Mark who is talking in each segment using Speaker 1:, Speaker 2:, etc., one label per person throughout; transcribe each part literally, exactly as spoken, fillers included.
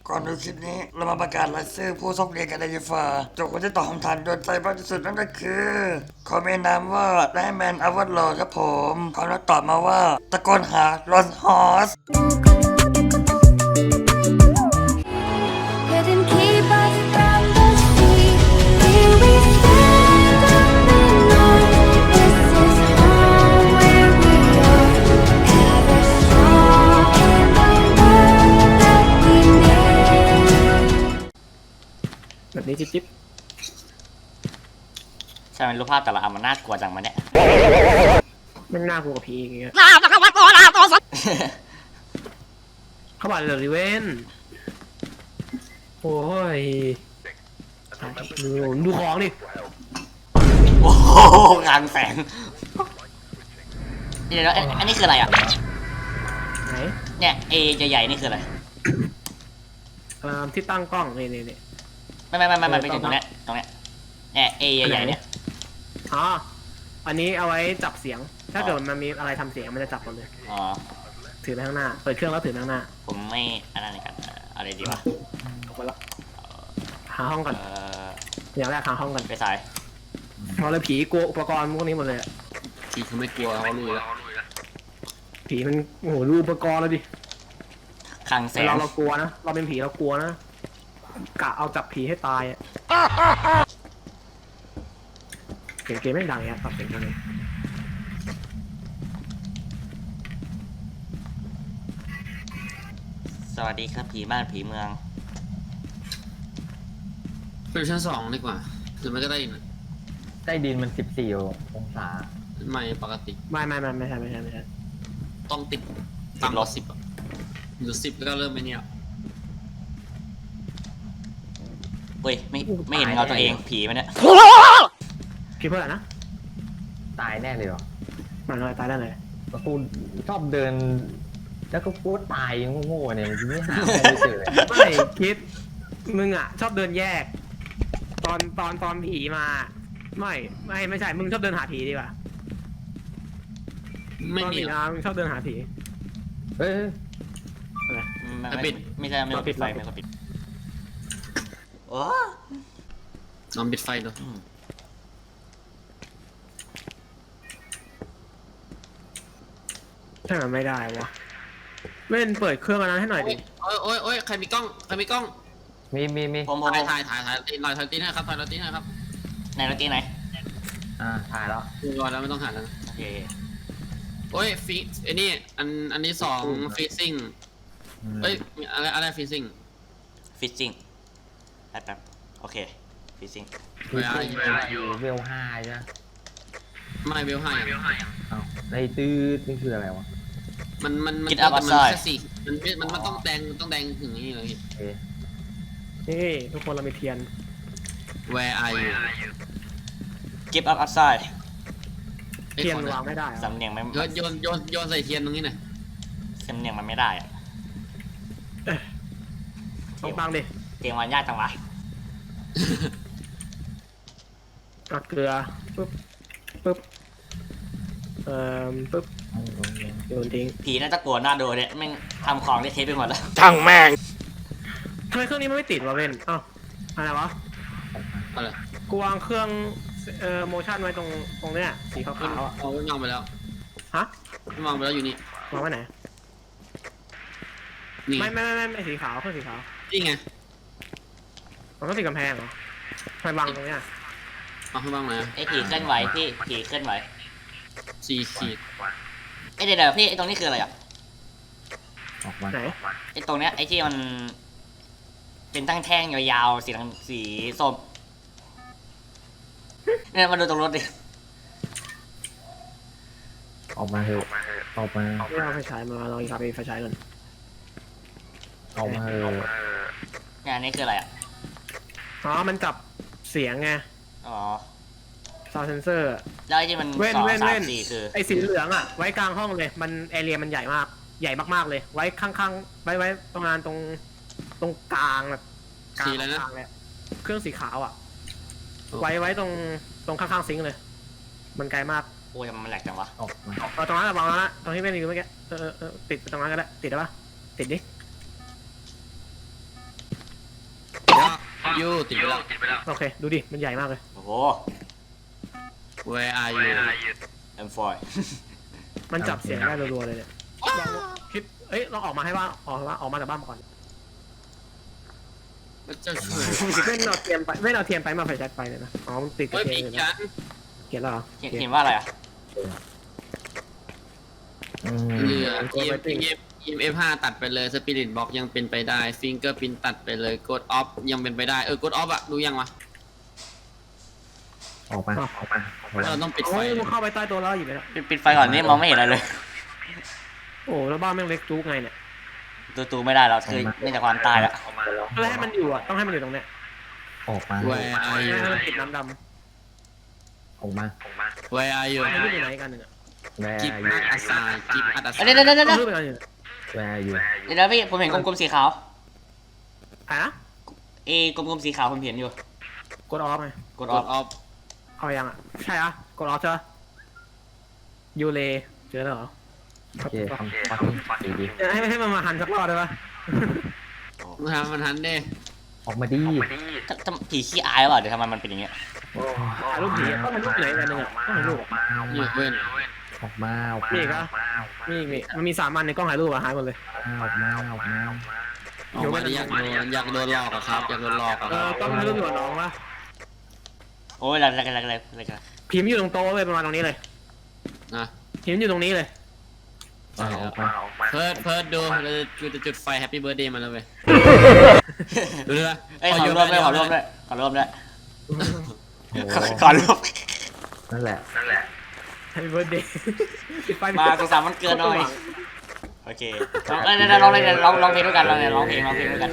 Speaker 1: ก่อนดูคลิปนี้เรามาประกาศรายชื่อผู้โชคดีกันเลยดีกว่าโจทย์คนที่ตอบคำถามโดนใจมากที่สุดนั่นก็คือขอเมนนามว่าไดแมนอวอร์ดครับผมเขาแล้วตอบมาว่าตะโกนหารอนฮอส
Speaker 2: Couldn't keep us from the sea. Here we stand on the north. This is home where we are. Ever strong in the world that we made.
Speaker 3: แบบนี้จิ๊บจิ๊บ
Speaker 4: ใช่ไหมรูปภาพแต่ละอันมันน่ากลัวจังมาเนี่ย
Speaker 3: ไม่น่ากลัวกับผีอย่างเงี้ยเข้ามาเลยริเวนโอ้ยดูดูของดิ
Speaker 4: โอ้โหกลางแสงเดี๋ยวอันอันนี้คืออะไรอ่ะ
Speaker 3: ไหน
Speaker 4: เนี่ยเอใหญ่ๆนี่คืออะไร
Speaker 3: เอ่อที่ตั้งกล้องนี่นี่นี่
Speaker 4: ไม่ไม่ไม่ไม่ไม่ไปถึงตรงเนี้ยตรงเนี้ยเนี่ยเอใหญ่ๆเนี่ย
Speaker 3: อ๋ออันนี้เอาไว้จับเสียง ถ้าเกิดมันมีอะไรทำเสียงมันจะจับหมดเลย
Speaker 4: อ๋อ
Speaker 3: ถือไปข้างหน้าเปิดเครื่องแล้วถือไปข้างหน้า
Speaker 4: ผมไม่อันนั้นกันอะไรดีวะ
Speaker 3: ออกไปแล้วหาห้องก่อน
Speaker 4: เออ
Speaker 3: อย่างแรกหาห้องก่อน
Speaker 4: ไปสาย
Speaker 3: เพราะเลยผีกลัวอุปกรณ์พวกนี้หมดเลยอะ
Speaker 5: ทีเขาไม่กลัวเขารู้แล้ว
Speaker 3: ผีมันโอ้โหรู้อุปกรณ์แล้วดิ
Speaker 4: คลังแส
Speaker 3: แต่
Speaker 4: ง
Speaker 3: เราเรากลัวนะเราเป็นผีเรากลัวนะกะเอาจับผีให้ตายอะเกมเกมไม่ดังเนี่ยปรับเสียงกันเลย
Speaker 4: สวัสดีครับผีบ้านผีเมือง
Speaker 5: ไปดูชั้นสองดีกว่าหรือมันก็ได้ยิน
Speaker 6: ใต้ดินมันสิบสี่องศา
Speaker 5: ไม่ปกติ
Speaker 3: ไม่ไม่ไม่ไม่ใช่ไม่ใช่ไม่ใช่
Speaker 5: ต้องติดต่ำกว่าสิบอ่ะหรือสิบแล้วก็เริ่มไปเนี่ย
Speaker 4: เฮ้ยไม่ไม่เห็นเงาตัวเองผีมันเนี่ย
Speaker 3: คิดเพื่ออะไรนะ
Speaker 6: ตายแน่เลยเหรอ
Speaker 3: มันลอยตายได้เลย
Speaker 6: แล้วกูชอบเดิน แล้วก็พูดตายโง่ๆเนี่ยกูไม่หาใครไม่เจอเลย
Speaker 3: ไม่คิดมึงอ่ะ ชอบเดินแยก ตอนตอนตอนผีมา ไม่ไม่ไม่ใช่มึงชอบเดินหาผีดีกว่า
Speaker 5: ไม่
Speaker 3: ตอน
Speaker 5: มี
Speaker 3: ผี
Speaker 5: หร
Speaker 3: มา
Speaker 5: อก
Speaker 3: มึงชอบเดินหาผี
Speaker 6: เฮ้ย
Speaker 4: ไม่
Speaker 5: ไม่ปิด
Speaker 4: ไม่ใช่ไม่กดปิดไฟไม่กดปิดโอ้
Speaker 5: ลองปิดไฟดู
Speaker 3: ใช่มันไม่ได้วะเล่นเปิดเครื่องอันนั้นให้หน่อยดิ
Speaker 5: โอ้ยโอ้ยโอ้ยใครมีกล้องใครมีกล้อง
Speaker 6: มีมีมี
Speaker 4: ผมผมผ
Speaker 5: ถ่าย
Speaker 4: ม
Speaker 5: ถ่ายถ่ายถ่ายตีนลอยถ่ายตีนให้ครับถ่ายลอยตีนให้ครับ
Speaker 4: ไหนเมื่อกี้ไหน
Speaker 6: อ่าถ่ายแล้ว
Speaker 5: ดูรอยแล้วไม่ต้องหันแล้ว
Speaker 4: โอเค
Speaker 5: โอ้ยฟีไอ้นี่อันอันนี้สองฟีซิ่งเอ้ยอะไรอะไรฟีซิ่ง
Speaker 4: ฟิชชิ่งแป๊บแป๊บโอเคฟิชชิ่ง
Speaker 5: เวลา
Speaker 6: อยู่เวลห้าใช่ไหม
Speaker 5: ไม่เวลห้าอย่าง
Speaker 6: เอ้าในตื้อนี่คืออะไรวะ
Speaker 5: มันมันมัน
Speaker 4: กินอัพอัพ
Speaker 5: มัน
Speaker 4: ไซด์
Speaker 5: แค่สี่มันมันมันต้องแดงต้องแดงถึงนี่เลย
Speaker 6: เอ๊ะ
Speaker 3: นี่ทุกคนเรามีเทียน
Speaker 5: Where are you
Speaker 4: กิฟต์อัพอัพไซด์
Speaker 3: เทียนวางไม่ได้เหรอ
Speaker 4: สำเนียงไม่
Speaker 5: โยนโยนโยนโยนใส่เทียนตรงนี้หน่อย
Speaker 4: สำเนียงมันไม่ได้อะ
Speaker 3: ต้องบังดิ
Speaker 4: เตียงวันยากจังวะ
Speaker 3: เอาเกลือปึ๊บปึ๊บเอ่อปึ๊บโยนทิ้ง
Speaker 4: ผีน่าจะกลัวหน้าดูเนี่ยแม่งทำของได้เทปไปหมดแล้ว
Speaker 1: ช่างแม่ง
Speaker 3: ทำไมเครื่องนี้มันไม่ติดวะเว้นอ้าวอะไรวะ
Speaker 5: อะไร
Speaker 3: กูวางเครื่องเอ่อโมชั่นไว้ตรงตรงเนี้ยสีขาวๆอ่ะ
Speaker 5: เอาวางไปแล้ว
Speaker 3: ฮะ
Speaker 5: วางไปแล้วอยู่นี่
Speaker 3: วางไว้ไหน
Speaker 5: นี่
Speaker 3: ไม่ไม่ไม่ไม่ไม่สีขาวเครื่องสีขาว
Speaker 5: นี่ไง
Speaker 3: มันต้องติดกำแพงเหรอทำไมวางตรงเนี้ย
Speaker 5: เอาให้บ้างนะ
Speaker 4: ไอ้ผีเคลื่อนไหวพี่ผีเคลื่อนไหว
Speaker 5: สี่ขีด
Speaker 4: ไอ้เดี๋ยวเดี๋ยวพี่ไอ้ตรงนี้คืออะไรอ่ะ
Speaker 6: ออกมา
Speaker 3: ไหน
Speaker 4: ไอ้ตรงเนี้ยไอ้ที่มันเป็นตั้งแท่งยาวๆสีน้ำสีส้มเนี่ยมาดูตรงรถดิ
Speaker 6: ออกมาเถอะออกมา
Speaker 3: ไม่เอาไฟฉายมาลองอีกครับไฟฉายก่อน
Speaker 6: ออกมาเถอะ
Speaker 4: เนี่ยอันนี้คืออะไรอ่ะ
Speaker 3: อ๋อมันจับเสียงไง
Speaker 4: อ๋อ
Speaker 3: ซาวเซนเซอร์
Speaker 4: แล้วไอ้ที่มัน
Speaker 3: เว้น
Speaker 4: สอง
Speaker 3: เว้น
Speaker 4: สาม
Speaker 3: เว้น
Speaker 4: สี่คือ
Speaker 3: ไอ้สีเหลืองอ่ะไว้กลางห้องเลยมันแอเรียมันใหญ่มากใหญ่มากๆเลย ไว้ข้างๆไว้ไว้ประมาณตรงตรงกลางแบบกลาง
Speaker 5: สีอะไรนะ
Speaker 3: กลางเลยเครื่องสีขาวอ่ะ ไว้ไว้ตรงตรงข้างๆซิงค์เลย มันไกลมาก
Speaker 4: โอ้ยมันแหลกจังวะ
Speaker 6: ออกมา
Speaker 3: เอาตรงนั้นอะวางแล้วนะตรงที่ไม่รีวิวเมื่อกี้เออเออเออติดไปตรงนั้นก็ได้ติดได้ปะติดดิ
Speaker 5: อยู่ติดไปแล้ว
Speaker 3: โอเค ดูดิ มันใหญ่มากเลย
Speaker 4: โอ้โห
Speaker 5: Where are you
Speaker 4: I'm fine
Speaker 3: มันจับเสียงได้รัวๆเลยเนี่ยลองคิดเอ้ยลองออกมาให้ว่าออกมาออกมาจากบ้านก่อน
Speaker 5: มันจะช่วย
Speaker 3: ไม่เอาเทียมไปไม่เอาเทียมไปมาไฟแช็กไปเลยนะอ๋อมันติดกับ
Speaker 5: เฮ้ย
Speaker 3: เทีย
Speaker 5: มี
Speaker 3: มเลย
Speaker 5: กั
Speaker 3: นะ
Speaker 5: น
Speaker 3: เขียนแล้วเหรอ
Speaker 4: เห็นเห็นว่าอะไรอ่ะ
Speaker 6: อืม
Speaker 5: เหลือ E M F ห้าตัดไปเลย Spirit Box ยังเป็นไปได้ Fingerprint ตัดไปเลย Code Off ยังเป็นไปได้เออ Code Off อะดูยังวะ
Speaker 6: ออกมาออกมาออกมา
Speaker 5: เราต้องปิดไฟ
Speaker 3: โอ้ยมันเข้าไปใต้ตัวแล้วอยู่ไหมล่ะ
Speaker 4: ปิดปิดไฟก่อนนี่มองไม่เห็นอะไรเลย
Speaker 3: โอ้แล้วบ้านแม่งเล็กจุกไงเนี่ย
Speaker 4: ตัวตูไม่ได้แล้วคือเนื่องจากความตายละ
Speaker 3: แล้วให้มันอยู่อ่ะต้องให้มันอยู่ตรงเนี้ย
Speaker 6: ออกมา
Speaker 5: Where are you
Speaker 3: ให้มันติดน้ำด
Speaker 6: ออกมา
Speaker 5: Where are you
Speaker 3: ำมันไม่อยู่ไหนกันหนึ่งอ่ะ
Speaker 6: แวร์
Speaker 5: Keep
Speaker 6: อยู่
Speaker 5: Art Aside Keep Art
Speaker 4: เดี๋ยว
Speaker 5: Aside
Speaker 4: เดี๋ยวเดี๋ยว
Speaker 3: ต้
Speaker 4: เดี๋
Speaker 3: อ
Speaker 4: ยว
Speaker 3: งรูปไปกันอยู่
Speaker 6: แวร์อยู่
Speaker 4: เดี๋ยวพี่ผมเห็นกลมๆสีขาว
Speaker 3: อ่ะ
Speaker 4: เอกลมๆสีขาวผมเห็นอยู่
Speaker 3: กดออฟไง
Speaker 4: กดออฟ
Speaker 5: Code Off
Speaker 3: เอายังอ่ะใช่อ่ะกดออฟเจอยูเลเจอแล้วเหรอ
Speaker 6: โอเคทำฟังดีดี
Speaker 3: เดี๋ยวให้ให้มันมาหันสักรอบได้ปะ
Speaker 5: มันทันมันทันเด้
Speaker 6: ออกมาดี
Speaker 4: ถ้าถ้าผีขี้อายหรือเปล่าเดี๋ยวทำไมมันเป็นอย่างเงี้ย
Speaker 3: ถ่ายรูปผีอะต้องถ่ายรูปไหนกันหนึ่งอ่ะต้องถ่ายรูป
Speaker 5: อยู่เว้น
Speaker 6: ออกมาออก
Speaker 3: มี
Speaker 6: มา
Speaker 3: อีกอ่ะมีอีกมีมันมีสามอันในกล้องถ่ายรูปอะหายหมดเลย
Speaker 6: ออกมาออกมา
Speaker 5: ออกมาดิอยากโดนอยากโดนหลอกอะครับอยากโดนหลอกอะ
Speaker 3: เอ
Speaker 5: ค
Speaker 3: อ
Speaker 5: รับ
Speaker 3: ต้องถ่ายรูปอยู่กับน้องวะ
Speaker 4: โอ้ยอะไรอะไรอะไรอะไรกัน
Speaker 3: ผีมันอยู่ตรงโต๊ะเลยประมาณตรงนี้เลย
Speaker 5: นะ
Speaker 3: ผีมันอยู่ตรงนี้เลย
Speaker 6: ออกมา
Speaker 5: เพิร์ดเพิร์ดดูเราจะจะจุดไฟแฮปปี้เบิร์ดเดย์มันแล้วเว้ยดูด้วย
Speaker 4: เอ้ยขอรวมด้วยขอรวมด้วยขอรวมด้วย
Speaker 6: โอ้
Speaker 4: ขอขอรวม
Speaker 6: นั่นแหละ
Speaker 3: Happy birthday ปิดไฟ
Speaker 4: มาสุขสันต์วันเกิดหน่อยโอเคลองเอ้ยเดี๋ยวลองเลยเดี๋ยวลองลองเพลงด้วยกันลองเนี่ยลองเพลงลองเพลงด้วยกัน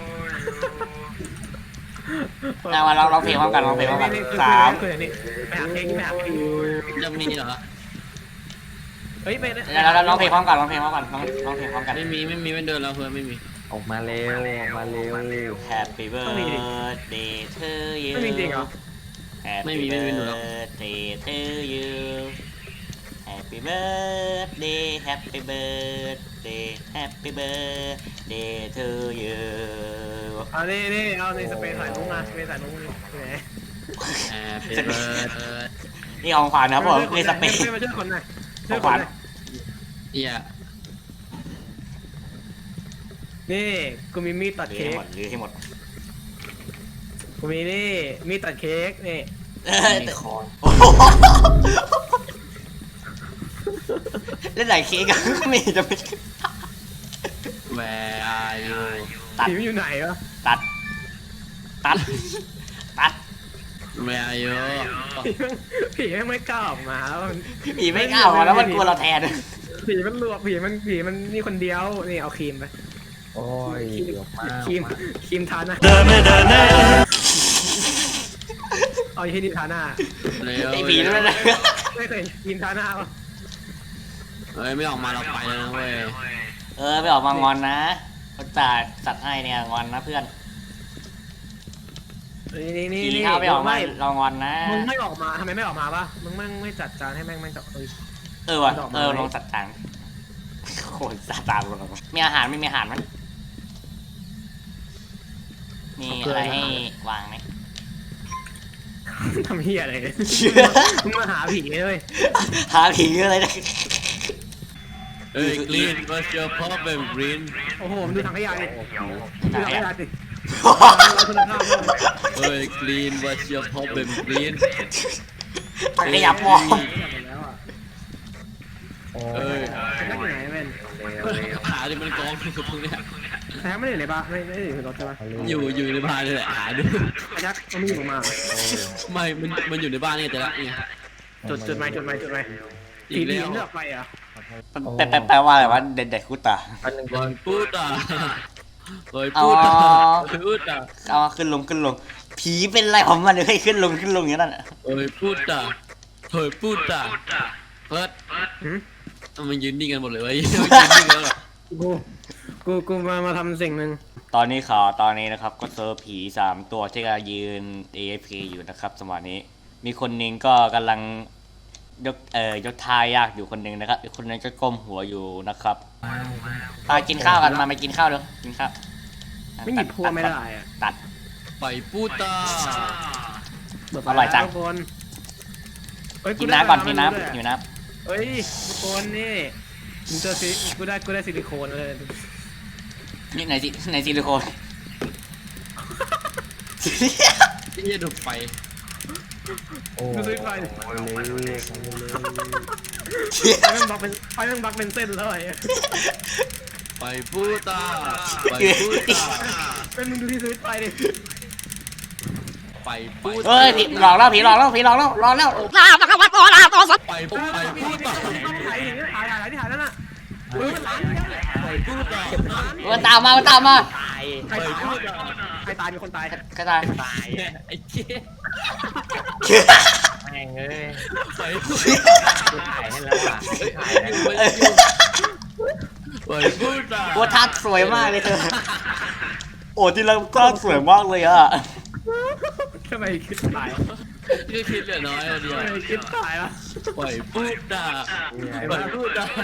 Speaker 4: เอามาลองลองเพลงพร้อมกันลองเพลงพร้อมกันสาม
Speaker 3: คืออย่างนี้ไปหาเค้กไปหาเค้ก
Speaker 5: จะมีเหรอ
Speaker 3: เฮ้ยไป
Speaker 4: เดี๋ยวเราลองเพลงพร้อมกันลองเพลงพร้อมกันลองลองเพลงพร้อมกัน
Speaker 5: ไม่มีไม่มีไม่เดินแล้วเพื่อนไม่มี
Speaker 6: ออกมาเร็วออกมาเร็ว
Speaker 4: Happy birthday to you
Speaker 3: ไม่มีจริงเหรอ
Speaker 4: Happy birthday to you Happy birthday Happy birthday Happy birthday to you
Speaker 3: เอานี่นี่เอาในสเปรย์ถ่ายลุงมาสเปรย์ถ่ายลุงนี่ไหน
Speaker 5: แฮปปี้เบิร์ด
Speaker 4: นี่ของขวัญนะครับผมนี่สเปรย์
Speaker 3: มาช่วยคนหน่อย
Speaker 4: ข
Speaker 3: ช่ว
Speaker 4: อย ง
Speaker 3: ค
Speaker 4: ขวัญ
Speaker 3: นหน่อย
Speaker 5: เฮีย
Speaker 3: นี่กูมีมีดตัด
Speaker 4: หรือ
Speaker 3: เค้
Speaker 4: ให้
Speaker 3: ก
Speaker 4: หมดหรือให้หมด
Speaker 3: กูมีนี่มีดตัดเค้กนี่
Speaker 6: ในคอน
Speaker 4: โอ้โหเล่นไหนเค้กอะไม่จะไม่
Speaker 5: แวร์อายุ
Speaker 4: ตัด
Speaker 3: ผีมันอยู่ไหนวะ
Speaker 4: ตัดตัดตัด
Speaker 5: แวร์อายุ
Speaker 3: ผีมันผีมันไม่กล้าออกมาแล้วมัน
Speaker 4: ผีไม่กล้าออกมาแล้วมันกลัวเราแทน
Speaker 3: ผีมันลวกผีมันผีมันนี่คนเดียวนี่เอาครีมไป
Speaker 6: โอ้ยออกมา
Speaker 3: ครีมครีมทาหน้าเอาที่นี่ทาหน้า
Speaker 5: เร็ว
Speaker 4: ไอ้ผีนั่นนะ
Speaker 3: ไม่เคยครีมทาหน้าปะ
Speaker 5: เฮ้ยไม่ออกมาเราไปแล้วนะเว้ย
Speaker 4: เออไม่ออกมางอนนะเขาจ่ายสัตว์ให้เนี่ยงอนนะเพื่อน
Speaker 3: นี่นี่นี่
Speaker 4: ผี
Speaker 3: นี่
Speaker 4: ถ้าไม่ออกมา
Speaker 3: ไม่
Speaker 4: เรางอนนะ
Speaker 3: มึงไม่ออกมาทำไมไม่ออกมาปะมึงแม่งไม่จัดจานให้แม่งแม่งจับเอ้ย
Speaker 4: เออว่ะ
Speaker 3: ดอกไม้
Speaker 4: เออลองสัตว์ต่างโคตรสัตว์ต่างลงมีอาหารไม่มีอาหารมั้ยมีอะไรให้วางไหม
Speaker 3: ทำเฮียอะไรเนี่ยมึงมาหาผีเลย
Speaker 4: หาผีอะไรนะ
Speaker 5: เฮ้ย Green what's your problem Green
Speaker 3: โอ้โหมึงดูถังขยะดิดูถังขยะดิ
Speaker 5: เฮ้ย Green what's your problem Green
Speaker 4: ถังขยะปลอม
Speaker 6: โอ้
Speaker 5: เอ้
Speaker 6: ย
Speaker 5: ย
Speaker 3: จะได้อยู่ไหนแม่น
Speaker 5: หาดิมันกองอยู่ตรงเนี้ย
Speaker 3: แท้ไม่ได้อยู่ในบ้านไม่ไม่ได้อยู่ในรถใช่ปะ
Speaker 5: อยู่อยู่ในบ้านนี่แหละหาดู
Speaker 3: ไอ้ยักษ์มันไม่อยู่มา
Speaker 5: ไม่มันมันอยู่ในบ้านนี่แต่ละเนี่ย
Speaker 3: จุดจุดไหมจุดไหมจุดไหม
Speaker 5: อี
Speaker 3: ผี
Speaker 5: ก
Speaker 3: ผี
Speaker 5: แล้ว
Speaker 3: เลือกไปอ่ะ
Speaker 4: แปลแปลแปลว่าอะไรวะเด็ดเด็ดคุตตา
Speaker 6: อันหนึ่ง
Speaker 5: เฮ้ยพูดอ่ะเฮ้ย
Speaker 4: อ๋อ
Speaker 5: พูดอ่ะพูดอ่ะ
Speaker 4: เอาขึ้นลงขึ้นลง ผีเป็นไรของมันเดี๋ยวให้ขึ้นลงขึ้นลงอย่างนั้นน่ะ
Speaker 5: เฮ้ยพูดอ่ะเฮ้ยพูดอ่ะเพิร์ด
Speaker 3: หืม
Speaker 5: มันยืนนิ่งกันหมดเลยเว้ยยืนนิ่งกันหรอ
Speaker 3: กูกูกูมามาทำสิ่งหนึ่ง
Speaker 4: ตอนนี้ข่าวตอนนี้นะครับก็เจอผีสามตัวที่กำลังยืน เอ เอฟ พี อยู่นะครับสมัยนี้ มีคนหนึงก็กำลังยกเอ่อยกท่ายากอยู่คนหนึงนะครับอีกคนหนึงก็ก้มหัวอยู่นะครับไปกินข้าวกันมาไปกินข้าวเร็วกินข้าว
Speaker 3: ไม่หยิบพัวไม่ได้อ่ะ
Speaker 4: ตัด
Speaker 5: ไปพูดตา
Speaker 4: อร่อยจัง
Speaker 3: ทุกคนเฮ้ย
Speaker 4: กิน
Speaker 3: ได้
Speaker 4: น้ำก่อน
Speaker 3: มา
Speaker 4: กิน
Speaker 3: แล้ว
Speaker 4: น้ำ
Speaker 3: ด้วย
Speaker 4: หิวน้
Speaker 3: เฮ้ยทุกคนนี่มึงเจอซิกูได้กูได้ซิลิโคนเลย
Speaker 4: ำนี่ไหนสิไหนซิลิโคน
Speaker 5: ที่จะดูดไฟ
Speaker 6: โอ้โหเละ
Speaker 3: ไฟแม่งบักเป็นไฟแม่งบักเป็นเส้นเลย
Speaker 5: ไปพูดตาไปพูดตา
Speaker 3: เป็นมึงดูที่สวิตช์ไฟดิ
Speaker 5: ไปพูด
Speaker 4: เฮ้ยผีหลอกแล้วผีหลอกแล้วผีหลอกแล้วหลอกแล้ว
Speaker 5: ไปพูดไปพูดตา
Speaker 3: ถ่ายถ่ายถ่ายถ่ายที่ถ่ายนั่นน่ะเฮ้ยมันล้างเนี่ย
Speaker 5: ไปพูดตา
Speaker 4: มันตามมามันตามมา
Speaker 3: ตายใครตายใครตายมีคนตาย
Speaker 4: กระจาย
Speaker 6: ตาย
Speaker 5: ไอ้เจ๊
Speaker 6: แม่งเอ้ย
Speaker 5: ไปพูด
Speaker 6: กูถ่ายให้แล้วอ่ะถ่ายแล้ว
Speaker 5: ไปพูดตา
Speaker 4: โอ้ท่าสวยมากเลยเธอโอ้ที่เราท่าสวยมากเลยอ่ะ
Speaker 3: ทำไมคิดตาย
Speaker 5: ที่คิดเหลือน้อยเดียว
Speaker 3: ทำไมคิดตายล่ะ
Speaker 5: ไปพูดตาไปพูดตา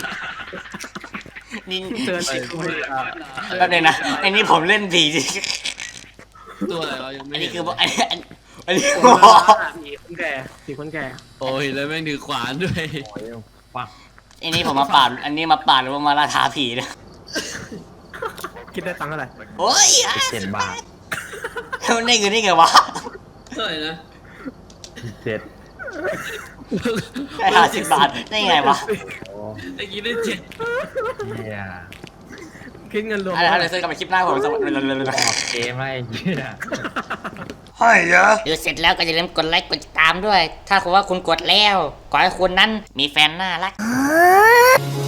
Speaker 4: นี่
Speaker 3: เตือนติดกูเลย
Speaker 4: แป๊บนึงนะไอ้นี่ผมเล่นผีจริง
Speaker 5: ตัวอะไรวะยัง
Speaker 4: อั
Speaker 5: ไม่
Speaker 4: น
Speaker 5: เห็
Speaker 4: นี้
Speaker 5: น
Speaker 4: คืออันนี้อันอันนี้
Speaker 3: ผีคนแก่ผีคนแก่
Speaker 5: โอ้ยแล้วแม่งถือขวานด้วย
Speaker 6: โอ้ยปัก
Speaker 4: อันนี้ผมมาปาดอันนี้มาปาดหรือว่ามาล่าท้าผีนะ
Speaker 3: คิดได้ตังค์เท่าไหร่
Speaker 4: โอ้ยอ่ะ
Speaker 6: เจ็ดบาท
Speaker 4: มันได้เงินได้ไงวะ
Speaker 5: เท่าไหร่นะ
Speaker 6: เจ็ด
Speaker 4: ได้ห้าสิบบาทได้ไงวะ
Speaker 6: โอ้
Speaker 5: ไอ้กี้ได้เจ็ด
Speaker 6: เฮีย
Speaker 3: คิดเงินรวม
Speaker 4: อะไรอะไรเซอร์กลับมาคลิปหน้าผมสวัสดี
Speaker 6: ออกเกมอะไรเฮีย
Speaker 1: ให้ยะ
Speaker 4: เดี๋ยวเสร็จแล้วก็อย่าลืมกดไลค์กดติดตามด้วย ถ้าคุณว่าคุณกดแล้ว ขอให้คุณนั้นมีแฟนน่ารัก